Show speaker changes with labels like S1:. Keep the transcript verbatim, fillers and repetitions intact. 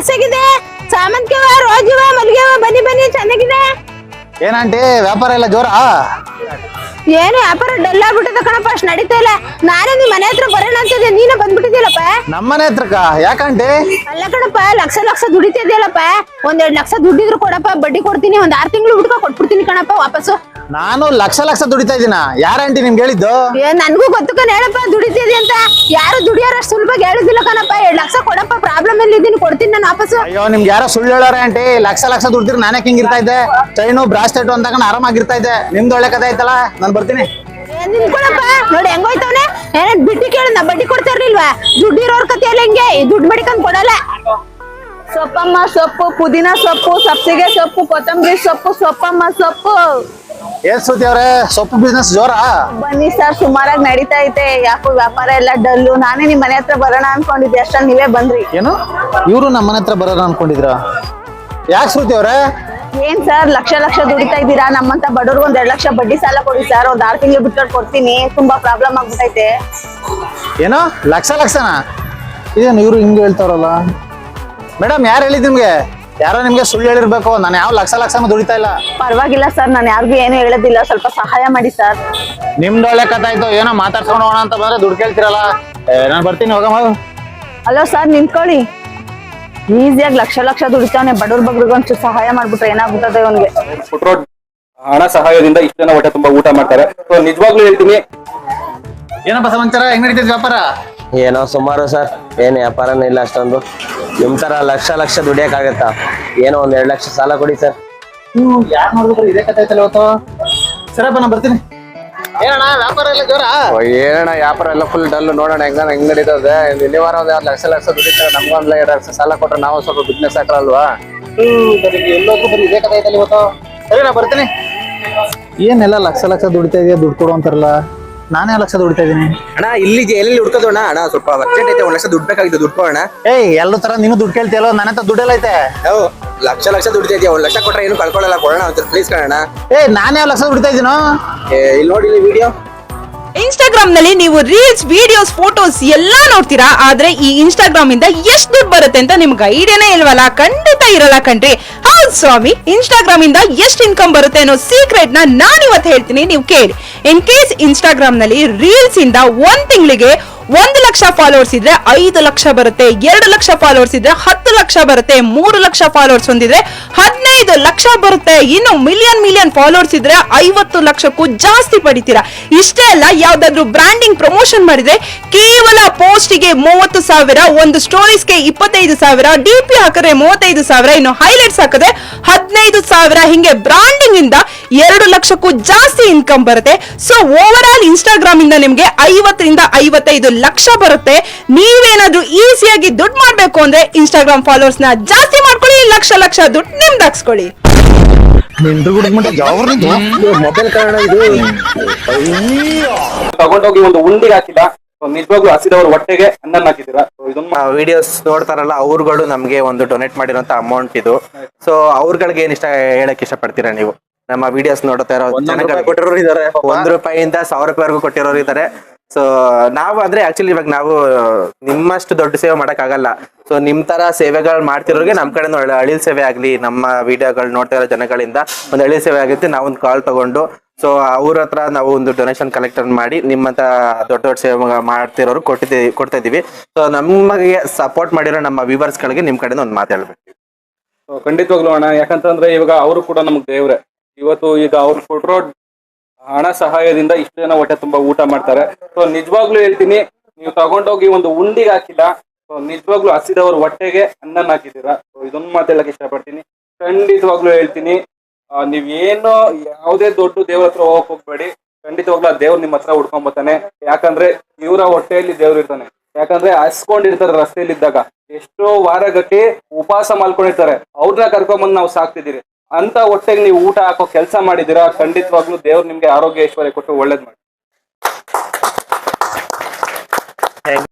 S1: Mix ಆಗಿದೆ. ಸಾಮಂತಿಗೆ ಹೂವ, rose ಹೂವ, ಮಲ್ಲಿಗೆ ಹೂವ, ಬನ್ನಿ ಬನ್ನಿ ಚೆನ್ನಾಗಿದೆ.
S2: ಏನಂಟಿ ವ್ಯಾಪಾರ ಎಲ್ಲ ಜೋರ?
S1: ಏನು ವ್ಯಾಪಾರ ಡಲ್ ಆಗ್ಬಿಟ್ಟಿದೆ ಕಣಪ್ಪ, ಅಷ್ಟು ನಡೀತಾ ಇಲ್ಲ. ನಾನೇ ನಿಮ್ ಮನೆ ಹತ್ರ ಬರೋಣ ಅಂತಿದ್ದೆ, ನೀನೇ ಬಂದ್ಬಿಟ್ಟಿದ್ಯಲ್ಲಪ್ಪ.
S2: ನಮ್ಮನೆ ಹತ್ರಕ್ಕ ಯಾಕಂಟಿ?
S1: ಅಲ್ಲ ಕಣಪ್ಪ, ಲಕ್ಷ ಲಕ್ಷ ದುಡಿತಿದ್ಯಲ್ಲಪ್ಪ. ಒಂದ್ ಎರಡ್ ಲಕ್ಷ ದುಡ್ಡಿದ್ರು ಕೊಡಪ್ಪ, ಬಡ್ಡಿ ಕೊಡ್ತೀನಿ. ಒಂದ್ ಆರ್ ತಿಂಗಳು ಹುಡ್ಕ ಕೊಟ್ಬಿಡ್ತೀನಿ ಕಣಪ್ಪ ವಾಪಸ್ಸು.
S2: ನಾನು ಲಕ್ಷ ಲಕ್ಷ ದುಡಿತಾ ಇದೀನ. ಯಾರಂಟಿ ನಿಮ್ಗೆ ಹೇಳಿದ್ದು?
S1: ಏ ನನ್ಗೂ ಗೊತ್ತು ಕಣ, ಹೇಳಪ್ಪ ದುಡಿತಿದ್ದಿ ಅಂತ. ಯಾರು ದುಡಿಯೋರಷ್ಟು ಸುಲಭವಾಗಿ ಹೇಳುದಿಲ್ಲ ಕಣಪ್ಪ. ಎರಡ್ ಲಕ್ಷ ಕೊಡಪ್ಪ, ಪ್ರಾಬ್ಲಮ್ ಅಲ್ಲಿ ಇದ್ದೀನಿ, ಕೊಡ್ತೀನಿ ನಾನು ವಾಪಸ್ಸು.
S2: ಅಯ್ಯೋ ನಿಮ್ಗೆ ಯಾರೋ ಸುಳ್ಳು ಹೇಳೋರೆ ಆಂಟಿ. ಲಕ್ಷ ಲಕ್ಷ ದುಡ್ದಿರ್ ನಾನೇ ಹಿಂಗ್ ಇರ್ತಾ ಇದ್ದೆ. ಚೈನು ಬ್ರಾಸ್ಲೆಟ್ ಅಂತ ಆರಾಮಾಗಿರ್ತಾ ಇದ್ದೆ. ನಿಮ್ದು ಒಳ್ಳೆ ಕಥೆ ಆಯ್ತಲ್ಲ, ನಾನ್ ಬರ್ತೀನಿ.
S1: ನಿಂತ್ಕೊಳಪ್ಪ, ನೋಡಿ ಹೆಂಗೋಯ್ತವನೆ. ಏನ್ ಬಿಟ್ಟಿ ಕೇಳ, ನಾ ಬಡ್ಡಿ ಕೊಡ್ತಾ ಇರ್ಲಿಲ್ವಾ? ದುಡ್ಡಿರೋರ್ ಕತೆ ಎಲ್ಲ ಹಿಂಗೆ, ದುಡ್ಡು ಬಡಿಕೊಂಡ್ ಕೊಡಲ್ಲ.
S3: ಸೊಪ್ಪಮ್ಮ ಸೊಪ್ಪು, ಪುದೀನ ಸೊಪ್ಪು, ಸಬ್ಸಿಗೆ ಸೊಪ್ಪು, ಕೊತ್ತಂಬರಿ ಸೊಪ್ಪು, ಸೊಪ್ಪಮ್ಮ ಸೊಪ್ಪು.
S2: ಏನ್ ಶ್ರುತಿ ಅವ್ರೆ, ಸೊಪ್ಪು ಬಿಸ್ನೆಸ್ ಜೋರ?
S3: ಬನ್ನಿ ಸರ್, ಸುಮಾರಾಗಿ ನಡೀತಾ ಐತೆ. ಯಾಕೋ ವ್ಯಾಪಾರ ಎಲ್ಲ ಡಲ್ಲು. ನಾನೇ ನಿಮ್ ಮನೆ ಹತ್ರ ಬರೋಣ ಅನ್ಕೊಂಡಿದ್ದೆ, ಅಷ್ಟ್ರಲ್ಲಿ ನೀವೇ ಬಂದ್ರಿ.
S2: ಏನು ಇವ್ರು ನಮ್ಮ ಮನೆ ಹತ್ರ ಬರೋಣ ಅನ್ಕೊಂಡಿದ್ರ? ಯಾಕೆ ಶ್ರುತಿ ಅವ್ರೆ?
S3: ಏನ್ ಸರ್ ಲಕ್ಷ ಲಕ್ಷ ದುಡಿತಾ ಇದ್ದೀರಾ? ನಮ್ಮಂತ ಬಡವ್ರಿಗೆ ಒಂದ್ ಎರಡ್ ಲಕ್ಷ ಬಡ್ಡಿ ಸಾಲ ಕೊಡಿ ಸರ್. ಒಂದ್ ಆರ್ ತಿಂಗಳು ಬಿಟ್ಕೊಂಡು ಕೊಡ್ತೀನಿ. ತುಂಬಾ ಪ್ರಾಬ್ಲಮ್ ಆಗ್ಬಿಟ್ಟೈತೆ.
S2: ಏನೋ ಲಕ್ಷ ಲಕ್ಷನಾ? ಇದೇನು ಇವ್ರು ಹಿಂಗೆ ಹೇಳ್ತಾರಲ್ಲ? ಮೇಡಮ್ ಯಾರು ಹೇಳಿದ್ ನಿಮ್ಗೆ? ಯಾರೋ ನಿಮ್ಗೆ ಸುಳ್ಳು ಹೇಳಿರ್ಬೇಕು. ನಾನು ಯಾವ ಲಕ್ಷ ಲಕ್ಷ ದುಡಿತಾ ಇಲ್ಲ.
S3: ಪರವಾಗಿಲ್ಲ ಸರ್, ನಾನು ಯಾರಿಗೂ ಏನು ಹೇಳೋದಿಲ್ಲ. ಸ್ವಲ್ಪ ಸಹಾಯ ಮಾಡಿ ಸರ್.
S2: ನಿಮ್ದು ಒಳ್ಳೆ ಕಥೆ ಆಯ್ತು. ಏನೋ ಮಾತಾಡ್ಸ್ಕೊಂಡು ಹೋಗೋಣ ಅಂತ ಬಂದ್ರೆ ದುಡ್ಡು ಕೇಳ್ತಿರಲ್ಲ. ನಾನು ಬರ್ತೀನಿ, ಹೋಗಮ್ಮ.
S3: ಅಲೋ ಸರ್, ನಿಂತ್ಕೊಳ್ಳಿ. ಈಸಿಯಾಗಿ ಲಕ್ಷ ಲಕ್ಷ ದುಡಿತಾವನೆ. ಬಡವ್ರ ಬಗ್ರಿಗೆ ಒಂಚೂರು ಸಹಾಯ ಮಾಡ್ಬಿಟ್ರೆ ಏನಾಗ್ಬಿಟ್ಟದೆ ಅವನಿಗೆ.
S4: ಫುಟ್ರೋಡ್ ಹಣ ಸಹಾಯದಿಂದ ಇಷ್ಟು ಜನ ಹೊಟ್ಟೆ ತುಂಬಾ ಊಟ ಮಾಡ್ತಾರೆ. ಸೊ ನಿಜವಾಗ್ಲೂ ಹೇಳ್ತೀನಿ.
S2: ಏನಪ್ಪ ಸಮಾಚಾರ, ಹೆಂಗ್ ನಡೀತಿದ್ ವ್ಯಾಪಾರ?
S5: ಏನೋ ಸುಮಾರು ಸರ್, ಏನ್ ವ್ಯಾಪಾರನೇ ಇಲ್ಲ ಅಷ್ಟೊಂದು. ನಿಮ್ ತರ ಲಕ್ಷ ಲಕ್ಷ ದುಡಿಯಕ್ಕಾಗತ್ತಾ? ಏನೋ ಒಂದ್ ಎರಡ್ ಲಕ್ಷ ಸಾಲ ಕೊಡಿ ಸರ್.
S2: ನೀವು ಯಾರು ನೋಡಿದ್ರು ಇದೇ ಕಥೆ ಐತಲ್ಲ ಇವತ್ತು. ಸರಪ್ಪ ನಾನು ಬರ್ತೀನಿ. ಏನಣ್ಣ ವ್ಯಾಪಾರ ಎಲ್ಲ ಜೋರ?
S5: ಏನಣ್ಣ ವ್ಯಾಪಾರ ಎಲ್ಲ ಫುಲ್ ಡಲ್. ನೋಡೋಣ ಹೆಂಗ ಹೆಂಗ್ ನಡೀತದೆ. ಇಲ್ಲಿ ವಾರ ಒಂದ್ ಲಕ್ಷ ಲಕ್ಷ ದುಡಿತಾರೆ. ನಮ್ಗೊಂದ್ ಎರಡ್ ಲಕ್ಷ ಸಾಲ ಕೊಟ್ರೆ ನಾವು ಸ್ವಲ್ಪ ಬಿಸ್ನೆಸ್ ಹಾಕಲ್ವಾ?
S2: ಎಲ್ಲೋದ್ರು ಬರೀ ಇದೇ ಕಥೆ ಐತಲ್ಲ ಇವತ್ತು. ಸರಿ ನಾ ಬರ್ತೀನಿ. ಏನೆಲ್ಲ ಲಕ್ಷ ಲಕ್ಷ ದುಡಿತಾ ಇದೆಯಾ, ದುಡ್ಡು ಕೊಡು ಅಂತಾರಲ್ಲ. ನಾನೇ ಲಕ್ಷ ದುಡಿತಾ ಇದೀನಿ
S6: ಅಣ್ಣ. ಇಲ್ಲಿ ಎಲ್ಲಿ ಹುಡ್ಕೋದಣ್ಣ? ಅಣ್ಣ ಸ್ವಲ್ಪ ಅರ್ಜೆಂಟ್ ಐತೆ, ಒಂದ್ ಲಕ್ಷ ದುಡ್ಡು ಬೇಕಾಗಿತ್ತು. ದುಡ್ಡು ಕೊಡೋಣ.
S2: ಏಯ್ ಎಲ್ಲೂ ತರ ನೀನು ದುಡ್ಡು ಕೇಳ್ತಿಯಲ್ಲ, ನನ್ನ ಹತ್ರ ದುಡ್ಡೆಲ್ಲ ಐತೆ.
S6: ಯಾವ ಲಕ್ಷ ಲಕ್ಷ ದುಡ್ತಾ ಇದೆಯಾ? ಒಂದ್ ಲಕ್ಷ ಕೊಟ್ರೆ ಏನು ಕಳ್ಕೊಳ್ಳಲ್ಲ, ಕೊಡೋಣ ಅಂತ ಪ್ಲೀಸ್ ಕಣ.
S2: ಏ ನಾನೇ ಲಕ್ಷ ದುಡಿತಾ ಇದೀನೋ.
S6: ಇಲ್ಲಿ ನೋಡಿ ಇಲ್ಲಿ ವಿಡಿಯೋ.
S7: ಇನ್ಸ್ಟಾಗ್ರಾಮ್ ನಲ್ಲಿ ನೀವು ರೀಲ್ಸ್, ವಿಡಿಯೋಸ್, ಫೋಟೋಸ್ ಎಲ್ಲಾ ನೋಡ್ತೀರಾ. ಆದ್ರೆ ಈ ಇನ್ಸ್ಟಾಗ್ರಾಮ್ ಇಂದ ಎಷ್ಟು ದುಡ್ಡು ಬರುತ್ತೆ ಅಂತ ನಿಮ್ಗೆ ಐಡಿಯಾನೇ ಇಲ್ವಲ್ಲ? ಖಂಡಿತ ಇರಲ್ಲ ಕಣ್ರಿ. ಹೌದು ಸ್ವಾಮಿ, ಇನ್ಸ್ಟಾಗ್ರಾಮ್ ಇಂದ ಎಷ್ಟು ಇನ್ಕಮ್ ಬರುತ್ತೆ ಅನ್ನೋ ಸೀಕ್ರೆಟ್ ನ ನಾನು ಇವತ್ತು ಹೇಳ್ತೀನಿ, ನೀವು ಕೇಳಿ. ಇನ್ ಕೇಸ್ ಇನ್ಸ್ಟಾಗ್ರಾಮ್ ನಲ್ಲಿ ರೀಲ್ಸ್ ಇಂದ ಒಂದ್ ತಿಂಗಳಿಗೆ ಒಂದು ಲಕ್ಷ ಫಾಲೋವರ್ಸ್ ಇದ್ರೆ ಐದು ಲಕ್ಷ ಬರುತ್ತೆ. ಎರಡು ಲಕ್ಷ ಫಾಲೋವರ್ಸ್ ಇದ್ರೆ ಹತ್ತು ಲಕ್ಷ ಬರುತ್ತೆ. ಮೂರು ಲಕ್ಷ ಫಾಲೋವರ್ಸ್ ಹೊಂದಿದ್ರೆ ಹದಿನೈದು ಲಕ್ಷ ಬರುತ್ತೆ. ಇನ್ನು ಮಿಲಿಯನ್ ಮಿಲಿಯನ್ ಫಾಲೋವರ್ಸ್ ಇದ್ರೆ ಐವತ್ತು ಲಕ್ಷಕ್ಕೂ ಜಾಸ್ತಿ ಪಡಿತೀರಾ. ಇಷ್ಟೇ ಅಲ್ಲ, ಯಾವ್ದಾದ್ರು ಬ್ರಾಂಡಿಂಗ್ ಪ್ರಮೋಷನ್ ಮಾಡಿದ್ರೆ ಕೇವಲ ಪೋಸ್ಟಿಗೆ ಮೂವತ್ತು ಸಾವಿರ, ಒಂದು ಸ್ಟೋರೀಸ್ಗೆ ಇಪ್ಪತ್ತೈದು ಸಾವಿರ, ಡಿ ಪಿ ಹಾಕಿದ್ರೆ ಮೂವತ್ತೈದು ಸಾವಿರ, ಇನ್ನು ಹೈಲೈಟ್ಸ್ ಹಾಕಿದ್ರೆ ಹದಿನೈದು ಸಾವಿರ. ಹಿಂಗೆ ಬ್ರಾಂಡಿಂಗ್ ಇಂದ ಎರಡು ಲಕ್ಷಕ್ಕೂ ಜಾಸ್ತಿ ಇನ್ಕಮ್ ಬರುತ್ತೆ. ಸೊ ಓವರ್ ಆಲ್ ಇನ್ಸ್ಟಾಗ್ರಾಮ್ ಇಂದ ನಿಮ್ಗೆ ಐವತ್ತರಿಂದ ಐವತ್ತೈದು ಲಕ್ಷ ಬರುತ್ತೆ. ನೀವೇನಾದ್ರೂ ಈಸಿಯಾಗಿ ದುಡ್ಡು ಮಾಡ್ಬೇಕು ಅಂದ್ರೆ ಇನ್ಸ್ಟಾಗ್ರಾಮ್ ಫಾಲೋವರ್ಸ್ ನ ಜಾಸ್ತಿ ಮಾಡ್ಕೊಳ್ಳಿ, ಲಕ್ಷ ಲಕ್ಷ ದುಡ್ಡು ನಿಮ್ದಾಕ್ಸ್ಕೊಳ್ಳಿ.
S6: ಮೊಬೈಲ್ ಕಾರಣ ಇದು
S4: ತಗೊಂಡೋಗಿ ಒಂದು ಉಂಡಿಗೆ ಹಾಕಿಲ್ಲ. ನಿಜವಾಗ್ಲೂ ಹಸಿದವ್ರ ಹೊಟ್ಟೆಗೆ ಅನ್ನ ಹಾಕಿದ್ದೀರಾ. ಇದನ್ನ
S6: ವಿಡಿಯೋಸ್ ನೋಡ್ತಾರಲ್ಲ ಅವ್ರುಗಳು ನಮ್ಗೆ ಒಂದು ಡೊನೇಟ್ ಮಾಡಿರೋಂತ ಅಮೌಂಟ್ ಇದು. ಸೊ ಅವ್ರಗಳಿಗೆ ಏನ್ ಇಷ್ಟ ಹೇಳಕ್ ಇಷ್ಟ ಪಡ್ತೀರಾ ನೀವು? ನಮ್ಮ ವಿಡಿಯೋಸ್ ನೋಡ್ತಾ ಇರೋ
S2: ಕೊಟ್ಟಿರೋರು ಇದಾರೆ.
S6: ಒಂದ್ ರೂಪಾಯಿಂದ ಸಾವಿರ ರೂಪಾಯಿವರೆಗೂ ಕೊಟ್ಟಿರೋರು ಇದಾರೆ. ಸೊ ನಾವು ಅಂದ್ರೆ ಆಕ್ಚುಲಿ ಇವಾಗ ನಾವು ನಿಮ್ಮಷ್ಟು ದೊಡ್ಡ ಸೇವೆ ಮಾಡಕ್ ಆಗಲ್ಲ. ಸೊ ನಿಮ್ ತರ ಸೇವೆಗಳು ಮಾಡ್ತಿರೋರಿಗೆ ನಮ್ ಕಡೆ ಅಳಿಲ್ ಸೇವೆ ಆಗ್ಲಿ, ನಮ್ಮ ವಿಡಿಯೋಗಳು ನೋಡ್ತಾ ಇರೋ ಜನಗಳಿಂದ ಒಂದು ಅಳಿಲ್ ಸೇವೆ ಆಗುತ್ತೆ. ನಾವೊಂದು ಕಾಲ್ ತಗೊಂಡು ಸೊ ಅವ್ರ ಹತ್ರ ನಾವು ಒಂದು ಡೊನೇಷನ್ ಕಲೆಕ್ಟ್ ಮಾಡಿ ನಿಮ್ಮಂತ ದೊಡ್ಡ ದೊಡ್ಡ ಸೇವೆ ಮಾಡ್ತಿರೋರು ಕೊಟ್ಟಿದ್ದೀವಿ ಕೊಡ್ತಾ ಇದೀವಿ. ಸೊ ನಮಗೆ ಸಪೋರ್ಟ್ ಮಾಡಿರೋ ನಮ್ಮ ವ್ಯೂವರ್ಸ್ ಗಳಿಗೆ ನಿಮ್ ಕಡೆಯಿಂದ ಒಂದು ಮಾತಾಡ್ಬೇಕು.
S4: ಖಂಡಿತವಾಗ್ಲೂ ಅಣ್ಣ, ಯಾಕಂತಂದ್ರೆ ಇವಾಗ ಅವರು ಕೂಡ ನಮ್ಗೆ ದೇವ್ರೆ. ಇವತ್ತು ಈಗ ಅವ್ರು ಕೊಟ್ಟಿರೋ ಹಣ ಸಹಾಯದಿಂದ ಇಷ್ಟು ಜನ ಹೊಟ್ಟೆ ತುಂಬಾ ಊಟ ಮಾಡ್ತಾರೆ. ಸೊ ನಿಜವಾಗ್ಲೂ ಹೇಳ್ತೀನಿ, ನೀವು ತಗೊಂಡೋಗಿ ಒಂದು ಉಂಡಿಗೆ ಹಾಕಿಲ್ಲ. ಸೊ ನಿಜವಾಗ್ಲೂ ಹಸಿದವ್ರ ಹೊಟ್ಟೆಗೆ ಅನ್ನ ಹಾಕಿದ್ದೀರಾ. ಸೊ ಇದೊಂದು ಮಾತಾಡಕ್ ಇಷ್ಟಪಡ್ತೀನಿ. ಖಂಡಿತವಾಗ್ಲೂ ಹೇಳ್ತೀನಿ, ನೀವೇನು ಯಾವುದೇ ದೊಡ್ಡ ದೇವ್ರ ಹತ್ರ ಹೋಗಕ್ ಹೋಗ್ಬೇಡಿ. ಖಂಡಿತವಾಗ್ಲೂ ಆ ದೇವ್ರು ನಿಮ್ಮ ಹತ್ರ ಹುಡ್ಕೊಂಬತ್ತಾನೆ. ಯಾಕಂದ್ರೆ ಇವರ ಹೊಟ್ಟೆಯಲ್ಲಿ ದೇವ್ರು ಇರ್ತಾನೆ. ಯಾಕಂದ್ರೆ ಹಸ್ಕೊಂಡಿರ್ತಾರೆ ರಸ್ತೆಯಲ್ಲಿ ಇದ್ದಾಗ, ಎಷ್ಟೋ ವಾರಗಟ್ಟಿ ಉಪವಾಸ ಮಾಡ್ಕೊಂಡಿರ್ತಾರೆ. ಅವ್ರನ್ನ ಕರ್ಕೊಂಬಂದು ನಾವು ಸಾಕ್ತಿದ್ದೀರಿ. ಅಂತ ಹೊಟ್ಟೆಗೆ ನೀವು ಊಟ ಹಾಕೋ ಕೆಲಸ ಮಾಡಿದೀರಾ. ಖಂಡಿತವಾಗ್ಲೂ ದೇವ್ರು ನಿಮ್ಗೆ ಆರೋಗ್ಯ ಐಶ್ವರ್ಯ ಕೊಟ್ಟು ಒಳ್ಳೇದ್ ಮಾಡಿ.